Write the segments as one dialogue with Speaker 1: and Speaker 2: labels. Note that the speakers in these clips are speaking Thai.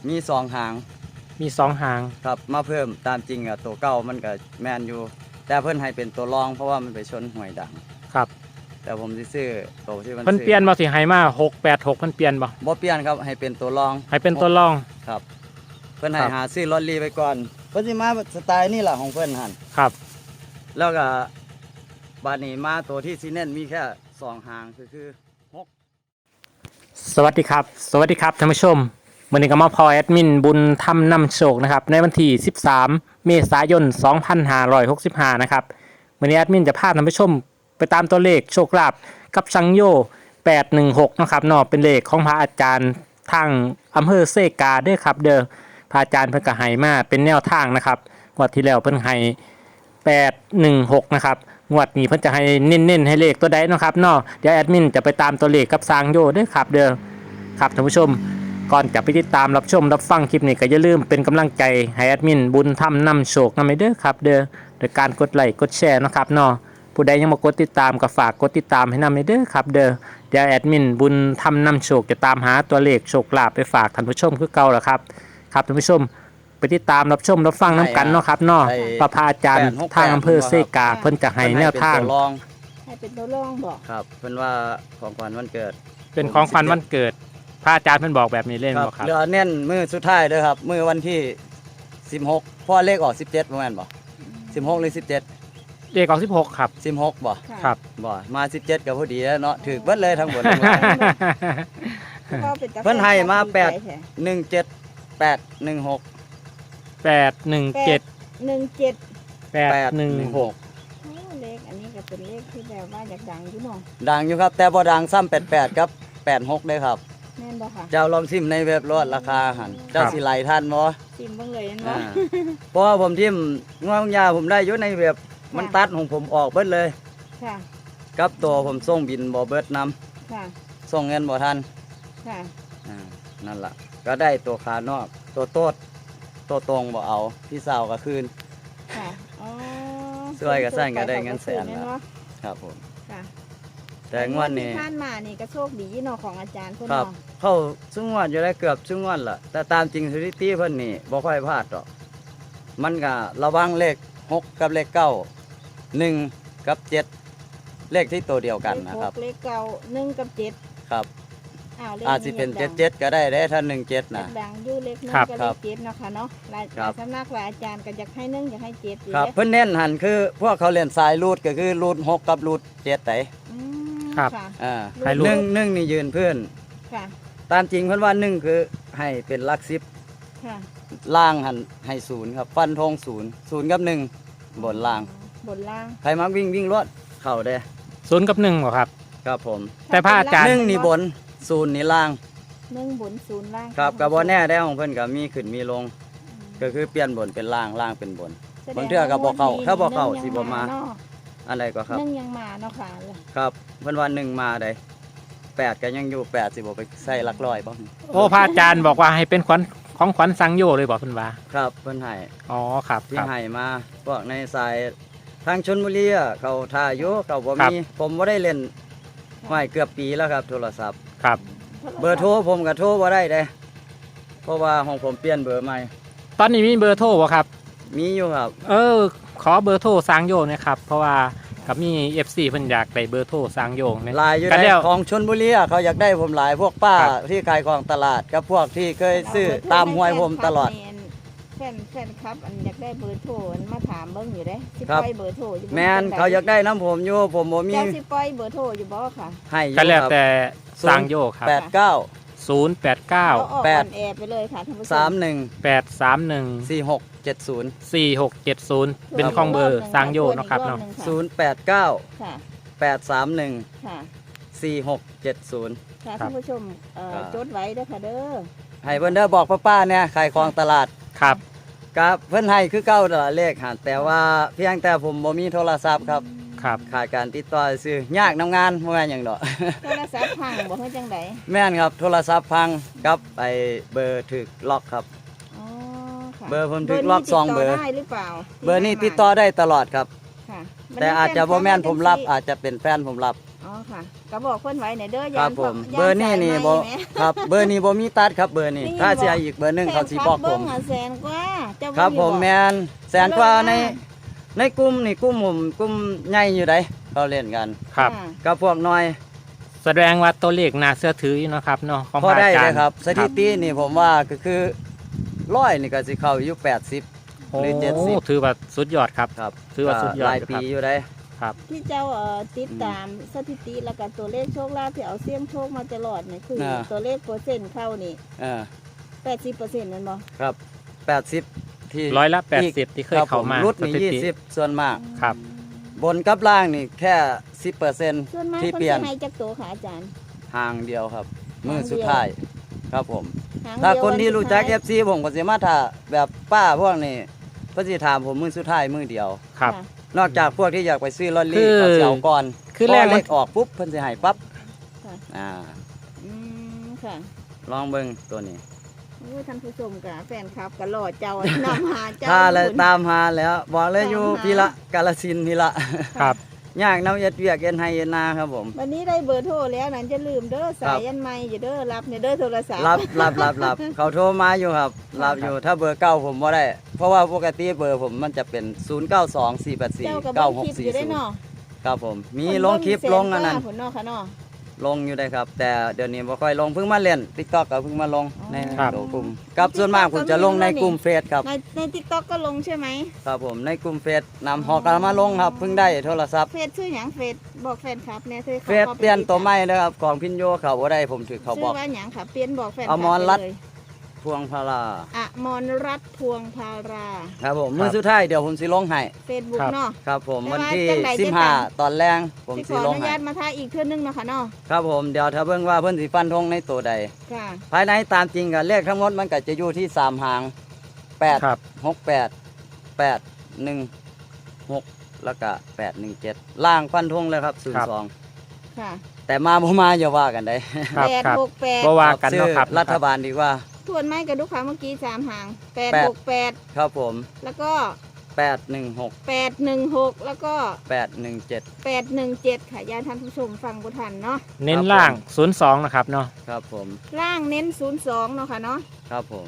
Speaker 1: มี2 หาง
Speaker 2: มี2 หาง
Speaker 1: ครับมาเพิ่มตามจริงอะตัวเก่ามันก็แมนอยู่แต่เพิ่นให้เป็นตัวรองเพราะว่ามันไปชนห้วยดัง
Speaker 2: ครับ
Speaker 1: แต่ผมสิซื้อตัวที่มัน
Speaker 2: เพิ่นเปลี่ยนบ่สิให้มา686เพิ่นเปลี่ยนบ่
Speaker 1: เปลี่ยนครับให้เป็นตัวรอง
Speaker 2: ให้เป็นตัวรอง
Speaker 1: ครับเพิ่นให้หาซื้อลอตเตอรี่ไปก่อนเพิ่นสิมาสไตล์นี่ล่ะของเพิ่นหั่น
Speaker 2: ครับ
Speaker 1: แล้วก็บาดนี้มาตัวที่สิเน้นมีแค่2 หางคือ
Speaker 2: สวัสดีครับท่านผู้ชมวันนี้ก็มาพอแอดมินบุญธรรมนำโชคนะครับในวันที่13 เมษายน 2565นะครับวันนี้แอดมินจะพาท่านผู้ชมไปตามตัวเลขโชคลาภกับสังโย816นะครับเนาะเป็นเลขของพระอาจารย์ทางอำเภอเซกาเด้อครับเด้อพระอาจารย์เพิ่นก็ให้มาเป็นแนวทางนะครับงวดที่แล้วเพิ่นให้816นะครับงวดนี้เพิ่นจะให้เน้นๆให้เลขตัวใดเนาะครับเนาะเดี๋ยวแอดมินจะไปตามตัวเลขกับสังโยเด้อครับเด้อครับท่านผู้ชมก่อนจะไปติดตามรับชมรับฟังคลิปนี้ก็อย่าลืมเป็นกำลังใจให้แอดมินบุญธรรมนำโชคนำไปเด้อครับเด้อโดยการกดไลค์กดแชร์นะครับเนาะผู้ใดยังบ่กดติดตามก็ฝากกดติดตามให้นำไปเด้อครับเด้อเดี๋ยวแอดมินบุญธรรมนำโชคจะตามหาตัวเลขโชคลาภไปฝากท่านผู้ชมคือเก่าล่ะครับครับท่านผู้ชมไปติดตามรับชมรับฟังน้ำกันเนาะครับเนาะพระอาจารย์ทางอำเภอเซกาเพิ่นจะให้แนวทาง
Speaker 1: ให้
Speaker 3: เป็นตัวรองบอก
Speaker 1: ครับเพิ่นว่าของขวัญวันเกิด
Speaker 2: เป็นของขวัญวันเกิดพระอาจารย์เพิ่นบอกแบบนี้เล่นบ่ครับ
Speaker 1: เหลือเน้นมื้อสุดท้ายเด้อครับมื้อวันที่16เพราะเลขออก17บ่แม่นบ่16หรือ17
Speaker 2: เลขออก16ครับ
Speaker 1: 16บ่
Speaker 2: ครับ
Speaker 1: บ่มา17ก็พอดีแล้วเนาะถูกเบิดเลยทั้งหมดเพิ่นให้มา817 816
Speaker 3: เลขอันนี้ก็เป็นเลขที่แบบว่าอยากดังอยู่เนาะ
Speaker 1: ดังอยู่ครับแต่บ่ดังซ้ำ88กับ86เด้อครับ
Speaker 3: แม่นบ่ค่ะ
Speaker 1: เจ้าลองซิมในเว็บรถราคาหั่นเจ้าสิไหลทันบ่
Speaker 3: ซิมเบิ่งเลยเนาะ
Speaker 1: เพราะว่าผมทิ่มงวงยาผมได้อยู่ในเว็บมันตัดของผมออกเบิดเลย
Speaker 3: ค่ะ
Speaker 1: กับตัวผมส่งบินบ่เบิดนำ
Speaker 3: ค่ะ
Speaker 1: ส่งเงินบ่ทัน
Speaker 3: ค่ะ
Speaker 1: นั่นล่ะก็ได้ตัวขานอกตัวโตดตัวตรงบ่เอาพี่สาวก็คืน
Speaker 3: ค่ะอ๋อ
Speaker 1: ช่วยก็สั่นก็ได้เงินแสนแล้วครับผม
Speaker 3: ค่ะ
Speaker 1: แต่งวดนี้
Speaker 3: ท่านมานี่ก็โชคดีเนาะของอาจารย์เพิ่น
Speaker 1: เนาะเข้าซุงวดอยู่ได้เกือบซุงวดล่ะแต่ตามจริงสถิติเพิ่นนี่บ่ค่อยพลาดดอกมันก็ระวังเลข6กับเลข9 1กับ7เลขที่ตัวเดียวกันนะครับ
Speaker 3: เลข9 1กับ7
Speaker 1: ครับอาจสิเป็น77ก็ได้ถ้า17น่ะ
Speaker 3: ดังอยู่เลข1กับเลข7เนาะค่ะเนาะหลายสำนักหลายอาจารย์ก็อยากให้1อยากให้7อยู่
Speaker 1: ครับเพิ่นเน้นหั่นคือพวกเขาเล่นสายรูดก็คือรูด6กับรูด7ได
Speaker 2: ครับ
Speaker 1: ให้1นี่ยืนเพื่อนตามจริงเพิ่นว่า1คือให้เป็นหลัก10ล่างหั่นให้0ครับฟันธง0กับ1บนล่างใครมักวิ่งรถเข้าได้
Speaker 2: 0กับ1บ่ครับ
Speaker 1: ครับผม
Speaker 2: แต่พระอาจารย์
Speaker 1: 1นี่บน0นี่ล่าง
Speaker 3: 1บน0ล่าง
Speaker 1: ครับก็บ่แน่ได้ของเพิ่นก็มีขึ้นมีลงก็คือเปลี่ยนบนเป็นล่างเป็นบนบางเทื่อก็บ่เข้าถ้าบ่เข้าสิบ่มาอันใดก็ครับ
Speaker 3: 1ยังมาเนาะค่ะ
Speaker 1: ครับเพิ่นว่า1มาได้8ก็ยังอยู่8สิบ่ไปใส่หลักร้อยบ่
Speaker 2: โอ้พระอาจารย์บอกว่าให้เป็นของขวัญสังโยเลยบอกเพิ่นว่า
Speaker 1: ครับเพิ่นให้
Speaker 2: อ๋อครับ
Speaker 1: ที่ให้มาพวกในสายทางชลบุรีเขาท่าอยู่เขาบ่มีผมบ่ได้เล่นห้อยเกือบปีแล้วครับโทรศัพท์
Speaker 2: ครับ
Speaker 1: เบอร์โทรผมก็โทรบ่ได้เด้เพราะว่าของผมเปลี่ยนเบอร์ใหม่
Speaker 2: ตอนนี้มีเบอร์โทรบ่ครับ
Speaker 1: มีอยู่ครับ
Speaker 2: ขอเบอร์โทรสังโยนะครับเพราะว่ากับมี FC เพิ่นอยากได้เบอร์โทรสังโยเนี่ย
Speaker 1: หลายอยู่ในของชลบุรีเขาอยากได้ผมหลายพวกป้าที่ขายของตลาดกับพวกที่เคยซื้อตามห้วยผมตลอด
Speaker 3: แฟนครับอันอยากได้เบอร์โทรมาถามเบิ่งอยู่เด้สิปล่อยเบอร์โทรอยู่
Speaker 1: แม่นเขาอยากได้น้ำผมอยู่ผมบ่มี
Speaker 3: เจ้าสิปล่อยเบอร์โทรอยู่บ่ค่ะ
Speaker 1: ให้อยู่
Speaker 2: ก็แล้วแต่สังโยครับ
Speaker 1: 89
Speaker 2: 089
Speaker 3: 8ไปเลยค่ะท่านผู้ช
Speaker 1: ม
Speaker 2: 831
Speaker 1: 4670
Speaker 2: เป็นของเบอร์สังโยเนาะครับเนาะ
Speaker 1: 089ค่ะ831ค่ะ4670
Speaker 3: ค่ะท่านผู้ชมจดไว้เด้อค่ะเด้อ
Speaker 1: ให้เพิ่นเด้อบอกป้าเนี่ยขายของตลาด
Speaker 2: ครับ
Speaker 1: กับเพิ่นให้คือเก่าตลาดเลขหันแต่ว่าเพียงแต่ผมบ่มีโทรศัพท์ครับขาดการติดต่อซื้อยากนำงานบ่แม่นหยังดอก
Speaker 3: โทรศัพท์พังบ่ฮู้จังได๋
Speaker 1: แม่นครับโทรศัพท์พังกับไอ้เบอร์ถูกล็อกครับ
Speaker 3: อ๋อค่ะ
Speaker 1: เบอร์ผมถูกล็อก2เบอร์
Speaker 3: ได้หรือเปล่า
Speaker 1: เบอร์นี้ติดต่อได้ตลอดครับแต่อาจจะบ่แม่นผมรับอาจจะเป็นแฟนผมรับ
Speaker 3: ค่ะก็บอกเพิ่นไว้เนี่ยเด้อ
Speaker 1: ค
Speaker 3: ยา
Speaker 1: รับ
Speaker 3: น
Speaker 1: ผม
Speaker 3: ย่า
Speaker 1: เบอร์นี้นี่
Speaker 3: สาย
Speaker 1: บ่
Speaker 3: ไหม
Speaker 1: ครับเบอร์นี้บ่มีตัดครับเบอร์นี้
Speaker 3: นี่
Speaker 1: ถ้า
Speaker 3: บอก
Speaker 1: เสียอีกเบอร์หนึงเขาสิบอกผม
Speaker 3: แสนกว่าเจ้า
Speaker 1: ครับผม
Speaker 3: อก
Speaker 1: แมนแสนกว่าในกลุ่มนี่กลุ่มผมกลุ่มใหญ่อยู่ไดเขาเล่นกัน
Speaker 2: ครับ
Speaker 3: ะ
Speaker 1: กับพวกน้อย
Speaker 2: แสดงว่าตัวเลขน่าเชื่อถืออยู่เนาะครับเนาะของ
Speaker 1: พอได้
Speaker 2: พะาจา
Speaker 1: เล
Speaker 2: ร
Speaker 1: ย
Speaker 2: ย์
Speaker 1: ครับสถิตินี่ผมว่าก็คือร้อยนี่ก็สิเข้าอยู่80
Speaker 2: โอ้
Speaker 1: หรือ70
Speaker 2: ถือว่าสุดยอดครับ
Speaker 1: ครับ
Speaker 2: ถือว่าสุดยอด
Speaker 1: หลาย
Speaker 2: อยู่
Speaker 1: ปี
Speaker 2: ครับ
Speaker 1: อยู่ได้
Speaker 2: ครับ
Speaker 3: ที่เจ้าติดตามสถิติแล้วก็ตัวเลขโชคลาภที่เอาเสี่ยงโชคมาตลอดเนี่ยคือตัวเลขเปอร์เซ็นต์เข้านี่
Speaker 1: เออ
Speaker 3: 80%นั่นบ่
Speaker 1: ครับ80ที่
Speaker 2: ร้อยละ80ที่เคย
Speaker 1: ครับผ
Speaker 2: เข้ามา
Speaker 1: รุด
Speaker 2: ส
Speaker 1: นี่
Speaker 2: ถิติ
Speaker 1: 20ส่วนมาก
Speaker 2: ครับ
Speaker 1: บนกับล่างนี่แค่
Speaker 3: ส่วน
Speaker 1: 10%
Speaker 3: มาก
Speaker 1: ที่
Speaker 3: คน
Speaker 1: เปลี่ยน
Speaker 3: จะให้จักโตค่ะอาจารย์
Speaker 1: ห่างเดียวครับ มือ
Speaker 3: ห่างเดียว
Speaker 1: สุดท้ายครับผม
Speaker 3: หง
Speaker 1: ถ้า
Speaker 3: เดียว
Speaker 1: คนที่รู้จัก
Speaker 3: วันสุดท้าย
Speaker 1: FC ผมก็สิมาถ้าแบบป้าพวกนี้เพิ่นสิถามผมมือสุดท้ายมือเดียว
Speaker 2: ครับ
Speaker 3: ะ
Speaker 1: นอกจากพวกที่อยากไปซื้อลอตเตอ
Speaker 2: คื
Speaker 1: รี่
Speaker 2: อ
Speaker 1: เขาสิเอาก่อน
Speaker 2: คือ
Speaker 1: พ
Speaker 2: แรก
Speaker 1: เล
Speaker 2: มัน
Speaker 1: ขออกปุ๊บเพิ่นสิให้ปั๊บ
Speaker 3: ค่ะ
Speaker 1: อ่า
Speaker 3: อืมค่ะ
Speaker 1: ลองเบิ่งตัวนี้
Speaker 3: โอ้ยท่านผู้ชมกับแฟนคลับก็รอเจ้า นำหาเจ้า
Speaker 1: ถ้าเลย
Speaker 3: คุณ
Speaker 1: ตามหาแล้วบอกเลยอยู่
Speaker 3: ตามหา
Speaker 1: พี่ละกาฬสินธุ์พี่ละ
Speaker 2: ครับ
Speaker 1: ยากน้ำเย็ดเวียกเย็นไฮเย็นนาครับผม
Speaker 3: วันนี้ได้เบอร์โทรแล้วนั้นจะลืมเด้อสายยันไม่อย่าเด้อรับเนี่ยเด้อโทรศัพท์
Speaker 1: รับเขาโทรมาอยู่ครับรับอยู่ถ้าเบอร์เก้าผมบ่ได้ เพราะว่าปกติเบอร์ผมมันจะเป็น 0 9 2 4 8
Speaker 3: เจ้ากับ
Speaker 1: 4
Speaker 3: เบิ้ง
Speaker 1: 9
Speaker 3: คลิป
Speaker 1: 6
Speaker 3: อยู่ได้
Speaker 1: 4
Speaker 3: เนาะ
Speaker 1: 0ครับผมมีลงคลิปลงอันนั้น
Speaker 3: ผลเนาะค่ะเนาะ
Speaker 1: ลงอยู่ได้ครับ แต่เดี๋ยวนี้บ่ค่อยลงเพิ่งมาเล่น TikTok ก็เพิ่งมาลงใน
Speaker 2: ครับ
Speaker 1: ตัวกลุ่มกับส่วนมากผมจะลงในกลุ่มเฟซครับ
Speaker 3: ใน TikTok ก็ลงใช่ไหม
Speaker 1: ครับผมในกลุ่มเฟซนำหอกนมาลงครับเพิ่งได้โทรศัพท์
Speaker 3: เฟซชื่อหยังเฟซบอกแฟนคลับเนี่ยเธอ
Speaker 1: เฟซเปลี่ยนตัวใหม่นะครับของพินโยเขาบ่ได้ผมถือเขา
Speaker 3: ชื่
Speaker 1: บ
Speaker 3: อ
Speaker 1: อก
Speaker 3: ว่าหยังค่ะเปลี่ยนบอกแฟนค
Speaker 1: อ
Speaker 3: ลับ
Speaker 1: มรรัตน์
Speaker 3: ไปเลย
Speaker 1: พวงพารา
Speaker 3: อมรรัตน์พวงพารา
Speaker 1: ครับผมมือสุดท้ายเดี๋ยวผมสิลงให้
Speaker 3: เฟซบุ๊ก
Speaker 2: ครับ
Speaker 3: เนาะ
Speaker 1: ครับผม
Speaker 3: แต่
Speaker 1: วัน
Speaker 3: ว่า
Speaker 1: ที่
Speaker 3: จังใดจะตาม
Speaker 1: 15ตอนแรงผม
Speaker 3: ที่ข
Speaker 1: สิ
Speaker 3: อ
Speaker 1: ล
Speaker 3: อง นุ
Speaker 1: ให้
Speaker 3: ญาตมาท่าอีกเทื่อนึงเนาะค่ะเนาะ
Speaker 1: ครับผมเดี๋ยวถ้าเบิ่งว่าเพิ่นสิฟันธงในตัวใด
Speaker 3: ค่ะ
Speaker 1: ภายในตามจริงก็เลขทั้งหมดมันก็จะอยู่ที่3หาง
Speaker 2: ครับ
Speaker 1: 8 6 8 8 1 6แล้วก็817ล่างฟันธงเลยครับ
Speaker 2: ครับ
Speaker 1: 02
Speaker 3: ค่ะ
Speaker 1: แต่มาบ่มาอย่าว่ากันได้
Speaker 2: ครับ
Speaker 3: แปด
Speaker 2: ครับ
Speaker 3: หกแปด
Speaker 2: บ่ว่ากัน
Speaker 1: ซื้อ
Speaker 2: เนาะครับ
Speaker 1: รัฐบาลดีกว่า
Speaker 3: ทวนไม้กับลูกค้าเมื่อกี้3หาง
Speaker 1: แปด
Speaker 3: 868
Speaker 1: ครับผม
Speaker 3: แล้วก็
Speaker 1: 816
Speaker 3: 816 แล้วก็
Speaker 1: 817
Speaker 3: 817 ค่ะญาติท่านผู้ชมฟังบุทันเนาะ
Speaker 2: เน้นล่าง02นะครับเนาะ
Speaker 1: ครับผม
Speaker 3: ล่างเน้น 02 เนาะค่ะเนาะ
Speaker 1: ครับผม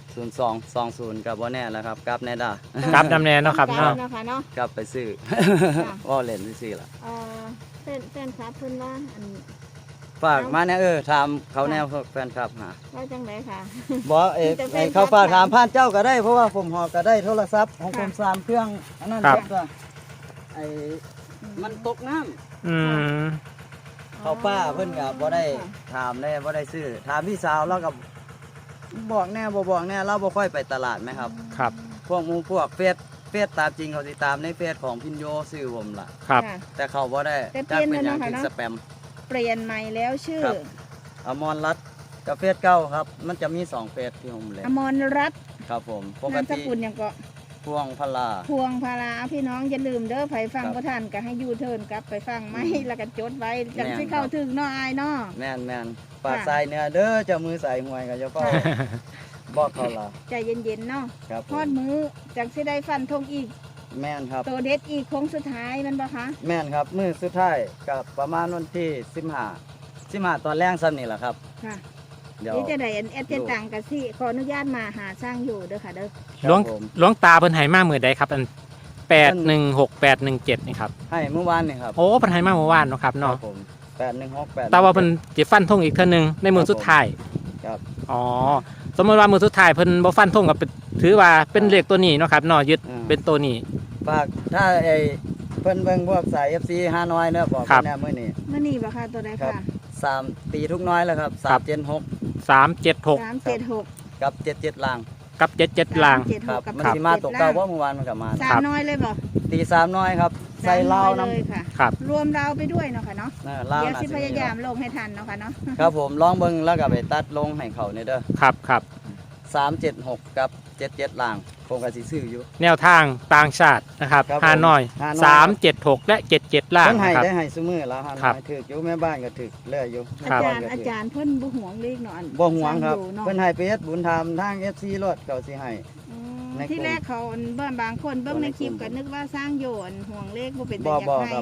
Speaker 1: 0220กับบ่แน่แล้วครับกลับแน่ด้า
Speaker 2: กราฟนำแนนเนาะครับเนาะ
Speaker 3: เนาะค่ะเนาะ
Speaker 1: กลับไปซื้อ
Speaker 3: ค่ะ
Speaker 1: ว่าเล่นซื้อล่ะ
Speaker 3: แฟนครับเพิ่นว่าอัน
Speaker 1: ฝากมาเนี่ยถามเขาแนวแฟนคลับหา
Speaker 3: ว่าจังไดค่ะ
Speaker 1: บอก
Speaker 3: มีแต่แฟนคลับ
Speaker 1: เขาฝากถามผ่านเจ้าก็ได้ เพราะว่าผมหอก็ได้โทรศัพท์ของผม
Speaker 3: ค่ะ
Speaker 1: 3เครื่องอันนั้น
Speaker 2: ครับ
Speaker 1: ก็ไอ้มันตกน้ำ
Speaker 2: อืม
Speaker 1: เขาป้าเพิ่นก็บ่ได้ถามได้บ่ได้ซื้อถามพี่สาวแล้วก็บอกแน่บ่บอกแน่เราบ่ค่อยไปตลาดไหมครับ
Speaker 2: ครับ
Speaker 1: พวกหมูพวกเฟซตามจริงเขาสิตามในเฟซของพินโยซื้อผมล่ะ
Speaker 2: ครับ
Speaker 3: ค่ะ
Speaker 1: แต่เขาบ่ได้
Speaker 3: แต่เปลี่ยน
Speaker 1: เป็นหยัง
Speaker 3: แล้ว
Speaker 1: ถึง
Speaker 3: เนาะ
Speaker 1: สแปม
Speaker 3: เปลี่ยนใหม่แล้วชื่อ
Speaker 1: ครับ อมรรัตน์กับเฟซเก้าครับ มันจะมี2เฟซที่ผมเล่น
Speaker 3: อมรรัตน์
Speaker 1: ครับผมปก
Speaker 3: นามส
Speaker 1: ติ
Speaker 3: กุลหยังก็
Speaker 1: พวงพลา
Speaker 3: พวงพาราพี่น้องอย่าลืมเด้อไผฟัง
Speaker 1: ครับ
Speaker 3: บ่ทันก็ให้ยูเทิร์นกลับไปฟังไหมแล้วก็จดไว้จัง
Speaker 1: แม่น
Speaker 3: สิเข้า
Speaker 1: ครับ
Speaker 3: ถึงเนาะอายเนาะ
Speaker 1: แม่นปากใส่เนื้อเด้อเจะมือใส่หวยกับเจ้าพ่อบอกเขาล่ะ
Speaker 3: ใจเย็นๆเนาะ
Speaker 1: ครับผ
Speaker 3: ทอด
Speaker 1: ม
Speaker 3: มือจังสิได้ฟันธงอีก
Speaker 1: แม่นครับ
Speaker 3: ตัวเด็ดอีกโค้งสุดท้ายแมันบ่คะ
Speaker 1: แม่นครับมือสุดท้ายกับประมาณวันที่15ตอนแรงซ้ำนี่แหละครับ
Speaker 3: ค่ะ
Speaker 1: เดี๋ยว
Speaker 3: นี่จะได้อันแอดเจตังกับสิขออนุญาตมาหาสร้างอยู่เด้อค่ะเด้อ
Speaker 1: ครับ
Speaker 2: หลวง
Speaker 1: ผม
Speaker 2: หลวงตาเพิ่นให้มามื้อใดครับอัน816817นี่ครับ
Speaker 1: ให้เมื่อวานนี่ครับ
Speaker 2: โอ้เพิ่นให้มาเมื่อวานเนาะครับ
Speaker 1: ครั
Speaker 2: เนาะ
Speaker 1: บผม8168
Speaker 2: แต่ว่าเพิ่นสิฟันธงอีกเทื่อนึงในมื้อสุดท้าย
Speaker 1: ครับ
Speaker 2: อ๋อสมมติว่ามือสุดท้ายเพิ่นบ่ฟันธงกับถือว่าเป็นเลขตัวนี้เนาะครับเนาะยึดเป็นตัวนี้
Speaker 1: ฝากถ้าไอ้เพิ่นเบิ่งพวกสาย FC ห้าน้อยเนอะบอก
Speaker 2: ครับ
Speaker 1: เพิ่นแน่มื้อนี้
Speaker 3: มื่อนี้บ่ค่ะตัวใด
Speaker 1: ครับ
Speaker 3: ค่ะ
Speaker 1: 3ตีทุกน้อยแล้วครับ
Speaker 2: ครับ
Speaker 1: 376
Speaker 2: 376
Speaker 3: 376
Speaker 1: กับ77ล่าง
Speaker 2: กับ77ล่าง
Speaker 1: ครับ
Speaker 3: กับ
Speaker 1: มันสิมาตกเก้าเพราะเมื่อวานมันก็มา
Speaker 3: สามน้อยเลยบ่
Speaker 1: ตี3น้อยครับ ใส่เหล้า
Speaker 3: สม
Speaker 1: น้
Speaker 3: อยเลยค่ะ
Speaker 2: ครับ
Speaker 3: รวมเราไปด้วยเนาะค่ะเนาะ
Speaker 1: เหล้า
Speaker 3: เดี๋ยว
Speaker 1: น่ะ
Speaker 3: สิพ
Speaker 1: มี
Speaker 3: ยายามลงให้ทันเนาะค่ะเนาะ
Speaker 1: ครับผมลองเบิ่งแล้วก็ไปตัดลงให้เขาเนี่ยเด้อ
Speaker 2: ครับครับ
Speaker 1: 376 กับ 77ล่างผมก็สิซื้ออยู่
Speaker 2: แนวทางต่างชาตินะครับ
Speaker 1: ครับผม
Speaker 2: ฮานอย
Speaker 1: ฮานอย
Speaker 2: 376 และ 77 ล่าง
Speaker 1: เพิ่นให้
Speaker 2: นะครับ
Speaker 1: ได้ให้ซุมื้อแล้วฮะ
Speaker 2: ครับ
Speaker 1: ถึกอยู่แม่บ้านก็ถึกเรื่อยอยู่
Speaker 2: ครับ
Speaker 3: อา
Speaker 1: แม่
Speaker 3: จารย์
Speaker 1: ก็ถึก
Speaker 3: เพิ่นบ่ห่วงเลขเนาะอัน
Speaker 1: บ่ห่วงครับ
Speaker 3: สาอยู่เนาะ
Speaker 1: เพิ่นให้ไปเฮ็ดบุญธรรมทาง FC รถเขาสิให้
Speaker 3: อืม
Speaker 1: ในกลุ่ม
Speaker 3: ที่แรกเขาบางคนเบิ่งในคลิป
Speaker 1: ในกลุ่
Speaker 3: ก็
Speaker 1: ม
Speaker 3: นึกว่าสร้างโยนห่วงเลขบ่เป็น
Speaker 1: บ่
Speaker 3: แต่อยาก
Speaker 1: บ่
Speaker 3: ให้
Speaker 1: ครับ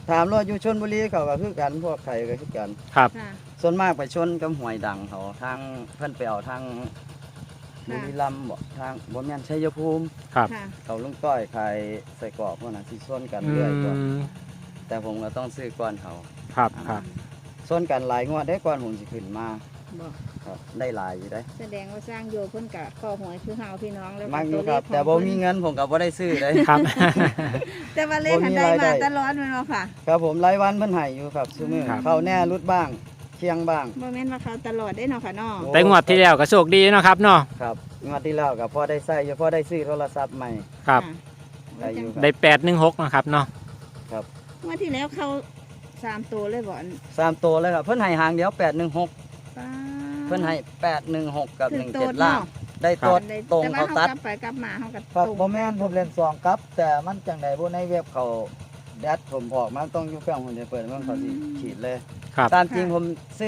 Speaker 1: ถามรถอยู่ชลบุรีเขาก็คือกันพวกไทยก็คือกัน
Speaker 2: ครับ
Speaker 3: ค่ะ
Speaker 1: ส่วนมากไปชนกับหวยดังเขาทางเพิ่นไปเอาทางบุรีรัมย์บ่ทางบ่แม่นชัยภูมิ
Speaker 2: ครับ
Speaker 3: ค่ะ
Speaker 1: เขาลุงต้อยขายใส่กรอกพวกนั้นสิชนกัน
Speaker 2: อื
Speaker 1: เรื่อยตัว
Speaker 2: ม
Speaker 1: แต่ผมก็ต้องซื้อก่อนเขา
Speaker 2: ครับครับ
Speaker 1: ชนกันหลายงวดได้ก่อนผมสิขึ้นมา
Speaker 3: บอก
Speaker 1: ครับได้หลายอยู่ได้
Speaker 3: แสดงว่าสร้างโยเพิ่นกะข้อหวยคือเฮาพี่น้องแล้ว
Speaker 1: มากอยู่
Speaker 3: ตัว
Speaker 1: ค
Speaker 3: เล
Speaker 1: รับ
Speaker 3: ขของ
Speaker 1: แต่บ่
Speaker 3: เพิ่น
Speaker 1: มีเงินผมก็บ่ได้ซื้อเลย
Speaker 2: ครับ
Speaker 3: แต่ว่าเลขหัน
Speaker 1: บ่มี
Speaker 3: ได้
Speaker 1: รายได้
Speaker 3: มาตลอดแม่นบ่ค่ะ
Speaker 1: ครับผมรายวันเพิ่นให้อยู่ครับซุมื้อ
Speaker 2: ครับ
Speaker 1: เข้าแน่รุดบ้างเที่ยงบ้าง
Speaker 3: บ่แม่นว่าเขาตลอดได้เนาะค่ะเนาะ
Speaker 1: โอ้
Speaker 2: แต่งวดที่แล้วก็โชคดีเนาะครับเนาะ
Speaker 1: ครับงวดที่แล้วก็พอได้ใช้อยู่พอได้ซื้อโทรศัพท์ใหม่
Speaker 2: ครับ
Speaker 3: ะ
Speaker 1: ได้อยู่ครับ
Speaker 2: ได้816นะครับเนาะ
Speaker 3: เมื่อที่แล้วเขา3ตัวเลยบ่อัน
Speaker 1: 3ตัวเลยครับเพิ่นให้หางเดียว816
Speaker 3: ป้า
Speaker 1: เพิ่นให้816กับ
Speaker 3: ถึงโตด
Speaker 1: 17ล่าง
Speaker 3: เนาะ
Speaker 1: ได้โตดตรง
Speaker 3: แต่ว่
Speaker 1: เขาตัด
Speaker 3: กลับไปกลับมาเฮาก็
Speaker 1: ครับ
Speaker 3: ตรง
Speaker 1: บ่แม่นผมเล่น2กับ แต่มันจังไดบ่ในเว็บเขาแดดผมออกมาต้องอยู่เครื่องผมจะเปิดมันเขาสิขีดเลย
Speaker 2: ครับ
Speaker 1: ตามจริงผมซื้อ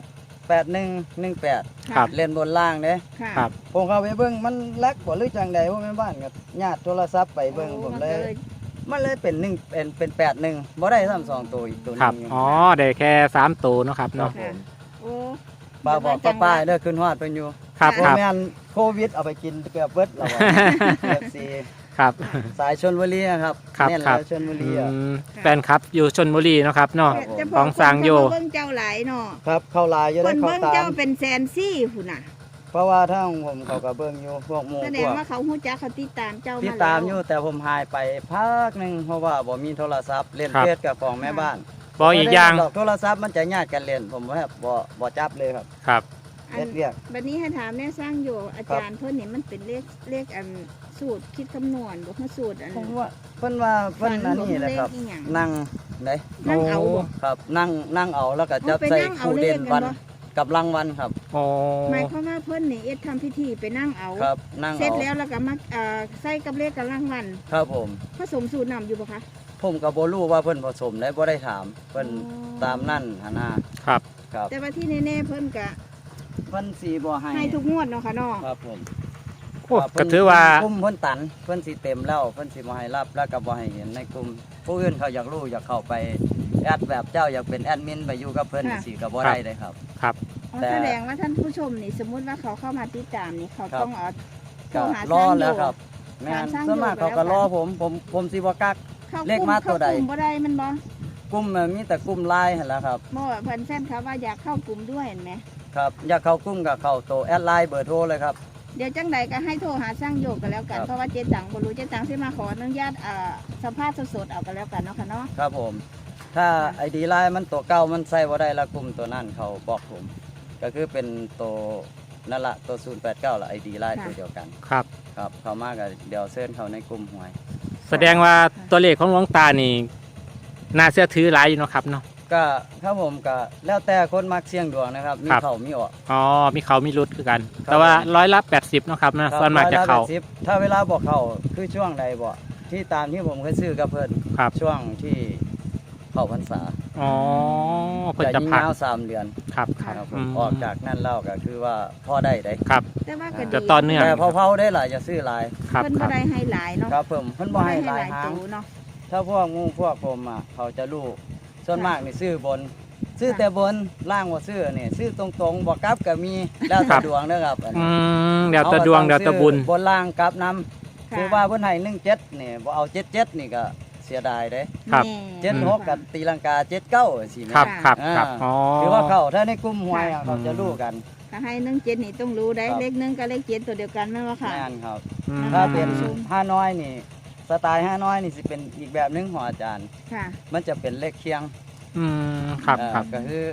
Speaker 1: 8118
Speaker 2: ครับ
Speaker 1: เล่นบนล่างเด้
Speaker 3: ค่ะ
Speaker 2: ครับ
Speaker 1: ผมเข้าไปเบิ่งมันแลกบ่หรือจังใดบ่แม่นบ้านกับญาติโทรศัพท์ไปเบิ่ง
Speaker 3: โอ้
Speaker 1: ผมเลย
Speaker 3: นก็
Speaker 1: มันเลยเป็น1เป็น81บ่ได้ซ้ำ2ตัวอีกตัวห
Speaker 2: ครับ
Speaker 1: นึง
Speaker 2: อ๋อได้แค่3ตัวเนาะครับ
Speaker 1: ครั
Speaker 2: เนาะ
Speaker 1: บผม
Speaker 3: โอ้
Speaker 1: ป้าบอกป้าๆเด้อขึ้นฮอดเพิ่นอยู่
Speaker 2: ครับ
Speaker 1: บ่
Speaker 2: ครับ
Speaker 1: แม่นโควิดเอาไปกินเกือบเบิดแล้วอะ FC
Speaker 2: ครับ
Speaker 1: สายชลบุรีอะครับ
Speaker 2: ครับ
Speaker 1: เน้น
Speaker 2: ครั
Speaker 1: แล้
Speaker 2: บ
Speaker 1: วชลบุรีอ่ะ
Speaker 2: แฟนครับอยู่ชนบุรีเนาะครับเนาะ
Speaker 3: แต่พ
Speaker 2: ของสร้างโย
Speaker 3: คนเบิ่งเจ้าหลายเนาะ
Speaker 1: ครับเข้าลายอยู่
Speaker 3: ค
Speaker 1: ได้
Speaker 3: น
Speaker 1: เข้า
Speaker 3: เบิ่ง
Speaker 1: ตา
Speaker 3: เจ้าม เป็นแสนซี่พุ่นน่ะ
Speaker 1: เพราะว่าทางผมเขาก็เบิ่งอยู่พวกหมู่
Speaker 3: แสด
Speaker 1: พ
Speaker 3: ง
Speaker 1: วก
Speaker 3: ว่าเขาฮู้จักเขาติดตามเจ้า
Speaker 1: ติด
Speaker 3: มา
Speaker 1: ตาม
Speaker 3: แล้ว
Speaker 1: อยู่แต่ผมหายไปพักหนึงเพราะว่าบ่มีโทรศัพท์เล่น
Speaker 2: ครับ
Speaker 1: เฟซกับของแม่บ้าน
Speaker 2: บอกอีกอย่าง
Speaker 1: บ่ได้ดกโทรศัพท์มันจะญาติกันเล่นผมว่าบ่จับเลยครับ
Speaker 2: ครับ
Speaker 3: อั
Speaker 1: เฮ็
Speaker 3: น
Speaker 1: ดเรียก
Speaker 3: บัดนี้ให้ถามแม่สร้างโยอาจารย์เพิ่นนี่มันเป็นเลขอันสูตรคิดคำนวณบ่คือสูตรอัน
Speaker 1: ผมว่าเพิ่นว่าเพิ่นอันนี้แหละครับ
Speaker 3: เลขอีหยัง
Speaker 1: นั่งได
Speaker 3: นั่งเอาบ่
Speaker 1: ครับนั่งเอาแล้วก็จับ
Speaker 3: เอาไป
Speaker 1: ใส่
Speaker 3: นั่งเอา
Speaker 1: คู่เด่น
Speaker 3: เลขกัน
Speaker 1: วัน
Speaker 3: บ่
Speaker 1: กับรางวัลครับ
Speaker 2: อ๋อ
Speaker 3: หมายความว่าเพิ่นนี่เอ็ดทำพิธีไปนั่งเอา
Speaker 1: ครับนั่ง
Speaker 3: เสร็จ
Speaker 1: เอา
Speaker 3: แล้วแล้วก็มาใส่กับเลขกับรางวัล
Speaker 1: ครับผม
Speaker 3: ผสมสูตรนำอยู่ปะคะ
Speaker 1: ผมก็บ่รู้ว่าเพิ่นผสมได้บ่ได้ถามเพิ่น
Speaker 3: อ๋อ
Speaker 1: ตามนั่นหนนา
Speaker 2: ครับ
Speaker 1: ครับ
Speaker 3: แต่ว่าที่แน่ๆเพิ่นก็
Speaker 1: เพิ่นสิบ่ให้
Speaker 3: ให้ทุกงวดเนาะค่ะเนาะ
Speaker 1: ครับผม
Speaker 2: โอ้
Speaker 1: ครับ
Speaker 2: ก็ถือว่า
Speaker 1: กลุ่มเพิ่นตันเพิ่นสิเต็มแล้วเพิ่นสิบ่ให้รับแล้วก็บ่ให้เห็นในกลุ่มผู้อื่นเขาอยากรู้อยากเข้าไปแอดแบบเจ้าอยากเป็นแอดมินไปอยู่กับเพิ่นสิก็บ่ได้เลยครับ
Speaker 2: ครับ
Speaker 3: อ๋อ
Speaker 1: แต่
Speaker 3: แสดงว่าท่านผู้ชมนี่สมมุติว่าเขาเข้ามาติดตามนี่เขา
Speaker 1: ครับ
Speaker 3: ต้องเอาโทร
Speaker 1: ก็
Speaker 3: หาร
Speaker 1: อ
Speaker 3: สร้างโย
Speaker 1: แล้วครับแม่น
Speaker 3: สร้าง
Speaker 1: ส่วนมาก
Speaker 3: โย
Speaker 1: เขา
Speaker 3: ไป
Speaker 1: ก็
Speaker 3: แล้ว
Speaker 1: รอ
Speaker 3: กัน
Speaker 1: ผมสิบ่กัก
Speaker 3: เข้าก
Speaker 1: เล
Speaker 3: ลุ่
Speaker 1: ขมาตัวใด
Speaker 3: เข้ากลุ่มบ่ได้มันบ่
Speaker 1: กลุ่มมีแต่กลุ่มไลน์หั่นแหละครับ
Speaker 3: บ่เพิ่นแฟนครับว่าอยากเข้ากลุ่มด้วยเห็นไหม
Speaker 1: ครับอยากเข้ากลุ่มก็เข้าโตแอดไลน์เบอร์โทรเลยครับ
Speaker 3: เดี๋ยวจังใดก็ให้โทรหาสร้างโยกกันแล้วกัน
Speaker 1: ครับ
Speaker 3: เพราะว่าเจ๊ตังบ่รู้เจ๊ตังสิมาขออนุญาตสัมภาษณ์สดๆเอากันแล้วกันเนาะค่ะเนาะ
Speaker 1: ครับผม ถ้าไอดีไลน์มันตัวเก่ามันใส่บ่ได้ละกลุ่มตัวนั้นเขาบอกผม ก็คือเป็นตัวนั่นละตัว089ละไอดีไลน์ตัวเดียวกัน
Speaker 2: ครับ
Speaker 1: ครับเขามาก็เดี๋ยวเชิญเขาในกลุ่มหวย
Speaker 2: แสดงว่าตัวเลขของหลวงตานี่น่าเชื่อถือหลายอยู่เนาะครับเนาะ
Speaker 1: ก็ครับผมก็แล้วแต่คนมักเสี่ยงดวงนะครับ มี
Speaker 2: ครับ
Speaker 1: เขามีออก
Speaker 2: อ๋อมีเขามีรุดคือกัน
Speaker 1: ครับ
Speaker 2: แต่ว่า180เนาะครับนะครับ ส่วนมากจะเขา
Speaker 1: 180ถ้าเวลาบอกเขาคือช่วงใดบอกที่ตามที่ผมเคยซื้อกับเพิ่น
Speaker 2: ครับ
Speaker 1: ช่วงที่เข้าพรรษา
Speaker 2: อ๋อเพิ่น
Speaker 1: จะ
Speaker 2: จะ
Speaker 1: ยิง
Speaker 2: พัก
Speaker 1: ยาว3 เดือน
Speaker 2: ครับ
Speaker 1: ครับผ
Speaker 2: อื
Speaker 1: ม
Speaker 2: ม
Speaker 1: ออกจากนั่นแล้วก็คือว่าพ่อได้ได้
Speaker 2: ครับ
Speaker 3: แต่ว่าก็
Speaker 2: จะ
Speaker 3: ดี
Speaker 2: ต่อเนื่อง
Speaker 1: แต่เผาๆได้หลายจะซื้อหลาย
Speaker 2: ครับ
Speaker 3: เพิ่น
Speaker 2: ค
Speaker 3: บ่
Speaker 2: รับ
Speaker 3: ได้ให้หลายเนาะ
Speaker 1: ครับผมเพิ่นบ่ให้หลายหาง
Speaker 3: ตัวเนาะ
Speaker 1: ถ้าพวกงูพวกผมอ่ะเขาจะรู้ส่วนมากนี่ซื้อบน ซื้อแต่บนล่างว่าซื้อนี่ซื้อตรงๆบ่กลับก็มีแล้ว
Speaker 2: ครั
Speaker 1: แต่
Speaker 2: บ
Speaker 1: ดวงเด้อครับอัน
Speaker 2: อื
Speaker 1: นี้
Speaker 2: มเดี๋ยวแตะดวงเดี๋ยวแตะบุญ
Speaker 1: บนล่างกลับนํ
Speaker 3: ค่ะ
Speaker 1: คือว่าเพิ่นให้17นี่บ่เอา77นี่ก็เสียดายเด้
Speaker 2: ครับ
Speaker 3: แน่
Speaker 1: 76กับตีลังกา79สิแม่
Speaker 2: ครับครับครับอ๋อ
Speaker 1: คือว่าเขาถ้าในกลุ่มหวยอะเขาจะรู้กัน
Speaker 3: ถ้าให้17นี่ต้องรู้ได้
Speaker 1: ครับ
Speaker 3: เลข1กับเลข7ตัวเดียวกันแม่นบ่ค่ะ
Speaker 1: แม่นครับ
Speaker 2: อืม
Speaker 1: ถ้าเป็น
Speaker 3: อืม
Speaker 1: ห้าน้อยนี่สไตล์ห้าน้อยนี่สิเป็นอีกแบบหนึงของอาจารย์
Speaker 3: ค่ะ
Speaker 1: มันจะเป็นเลขเคียง
Speaker 2: อืมครับ ครับ
Speaker 1: ก็คือ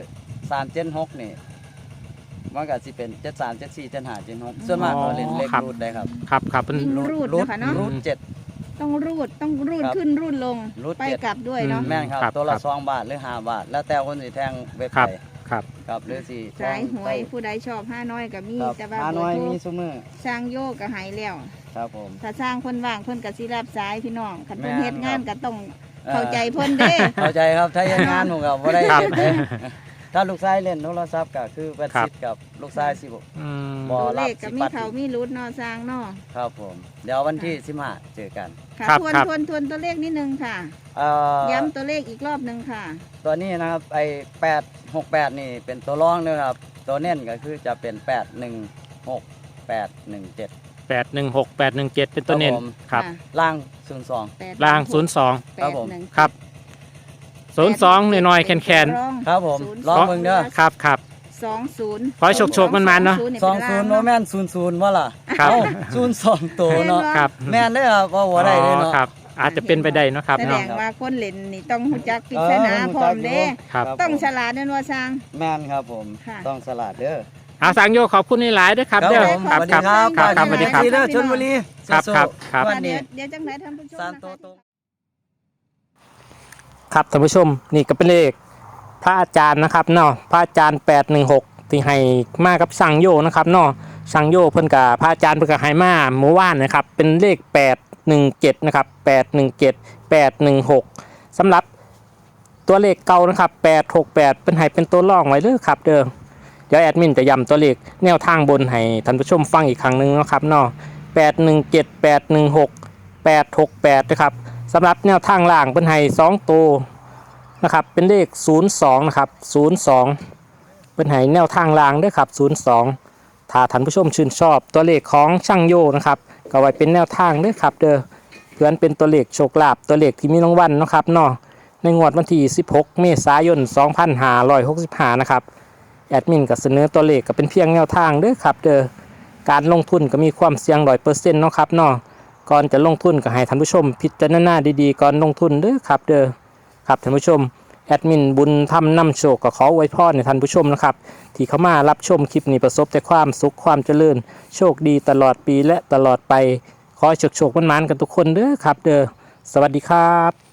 Speaker 1: 376นี่มันก็สิเป็น73 74 75 76ส่วนมากเราเล่นเลข
Speaker 2: ครับ
Speaker 1: รูดได้ครับ
Speaker 2: ครับครับเป็น
Speaker 3: วิ่งรูดนะคะเนาะ
Speaker 1: รูด7
Speaker 3: ต้องรูด
Speaker 1: ครับ
Speaker 3: ขึ้นรูดลง
Speaker 1: รูด
Speaker 3: ไป
Speaker 1: เจ็ด
Speaker 3: กลับด้วยเนาะ
Speaker 1: แม่นครับ
Speaker 2: ครับ
Speaker 1: ตัวละ
Speaker 2: ครับ
Speaker 1: 2 บาทหรือ5 บาท แล้วแต่คนสิแทงเว็บ
Speaker 2: ครั
Speaker 1: ไซ
Speaker 2: บ
Speaker 1: ต์
Speaker 2: ครับ
Speaker 1: ครับหรือสิ
Speaker 3: สายหวยผู้ใดชอบ5น้อยก็มี
Speaker 1: ครับ
Speaker 3: แต่ว่า
Speaker 1: ห้า
Speaker 3: เบ
Speaker 1: น้
Speaker 3: อ
Speaker 1: อย
Speaker 3: ร์โทร
Speaker 1: มีซุมื้อ
Speaker 3: สร้างโยกก็หายแล้ว
Speaker 1: ครับผม
Speaker 3: ถ้าสร้างคนว่างเพิ่นก็สิรับสายพี่น้องคันเพิ่น
Speaker 1: แม่น
Speaker 3: เฮ็ดงาน
Speaker 1: ครับ
Speaker 3: ก็ต้องเข้าใจเพิ่นเด้
Speaker 1: เข้าใจครับถ้าเฮ็ดงานผมก็บ่ได้
Speaker 2: ครับ
Speaker 1: เฮ็ดเด้ถ้าลูกชายเล่นโทรศัพท์ก็คือเป็น
Speaker 2: ครับ
Speaker 1: สิทธิ์กับลูกชายสิบ
Speaker 2: อืม
Speaker 1: บ่
Speaker 3: ตัวเล
Speaker 1: รับ
Speaker 3: ขก็
Speaker 1: สิ
Speaker 3: มี
Speaker 1: ปัด
Speaker 3: เขามีรุดเนาะสร้างเนาะ
Speaker 1: ครับผมเดี๋ยววันที่15เจอกัน
Speaker 3: ค่ะ
Speaker 2: ครับ
Speaker 3: ทวน
Speaker 2: ครับ
Speaker 3: ตัวเลขนิดนึงค่ะ ย้ำตัวเลขอีกรอบนึงค่ะ
Speaker 1: ตัวนี้นะครับไอ้868นี่เป็นตัวรองนะครับตัวเน้นก็คือจะเป็น816 817
Speaker 2: 816 817เป็นตัวเน้นครับ
Speaker 3: ค่ะ
Speaker 1: ล่าง02
Speaker 2: ล่าง 02
Speaker 1: ครับผม
Speaker 2: ครับ 02น้อยๆแคน
Speaker 1: ครับผมลองเบิ่งเด้อ
Speaker 2: ครับครับ
Speaker 3: 20
Speaker 2: ขอให้โชคๆมันๆเนาะ
Speaker 1: 20บ่แม่น00ว่าล่ะ
Speaker 2: ครับ
Speaker 1: เอ้า02ตัวเนาะ
Speaker 2: ครับ
Speaker 1: แม่นเด้อครับว่าบ่ได้เด้อเนาะ
Speaker 2: ครับ อาจจะเป็นไปได้เนาะครับ
Speaker 3: แสด
Speaker 2: เนาะ
Speaker 3: งว่าคนเล่นนี่ต้องรู้จักปริศนาพร้อมเด้
Speaker 2: ครับ
Speaker 3: ต้องฉลาดนั่นว่าสร้าง
Speaker 1: แม่นครับผม
Speaker 3: ค่ะ
Speaker 1: ต้องสลัดเด้อ
Speaker 2: เอาสังโยขอบคุณหลายๆด้วยครับเด้อ
Speaker 1: ผม
Speaker 2: ครับ
Speaker 1: สวัส
Speaker 2: ค
Speaker 1: ดี
Speaker 2: รับ
Speaker 1: ครับ
Speaker 2: ครับสวัสดีครับ
Speaker 1: เด้อชลบุรี
Speaker 2: ครับ
Speaker 1: สู้ๆ
Speaker 2: ครับครับ
Speaker 1: วันนี้
Speaker 3: เดี๋ยวจังไหนท่านผู้ชม
Speaker 1: สาม
Speaker 3: นะ
Speaker 1: ตัว
Speaker 3: คะ
Speaker 1: ตรง
Speaker 2: ครับท่านผู้ชมนี่ก็เป็นเลขพระอาจารย์นะครับเนาะพระอาจารย์816ที่ให้มากับสังโยนะครับเนาะสังโยเพิ่นกับพระอาจารย์เพิ่นกับให้มาเมื่อวานนะครับเป็นเลข817นะครับ817 816สำหรับตัวเลขเก่านะครับ868เป็นให้เป็นตัวรองไว้เด้อครับเด้อเดี๋ยวแอดมินจะย้ำตัวเลขแนวทางบนให้ท่านผู้ชมฟังอีกครั้งหนึงนะครับเนาะ817 816 868นะครับสำหรับแนวทางล่างเป็นให้2ตัวนะครับเป็นเลข02นะครับ02เป็นให้แนวทางล่างด้วยครับ02ถ้าท่านผู้ชมชื่นชอบตัวเลขของช่างโยนะครับก็ไว้เป็นแนวทางด้วยครับเด้อเพื่อนเป็นตัวเลขโชคลาภตัวเลขที่มีรางวัลนะครับเนาะในงวดวันที่16เมษายน2565นะครับแอดมินก็เสนอตัวเลขก็เป็นเพียงแนวทางเด้อครับเด้อการลงทุนก็มีความเสี่ยง 100% เนาะครับเนาะก่อนจะลงทุนก็ให้ท่านผู้ชมพิจารณาดีๆก่อนลงทุนเด้อครับเด้อครับท่านผู้ชมแอดมินบุญทำนำโชคก็ขออวยพรให้ท่านผู้ชมนะครับที่เข้ามารับชมคลิปนี้ประสบแต่ความสุขความเจริญโชคดีตลอดปีและตลอดไปขอให้โชคๆมันๆกันทุกคนเด้อครับเด้อสวัสดีครับ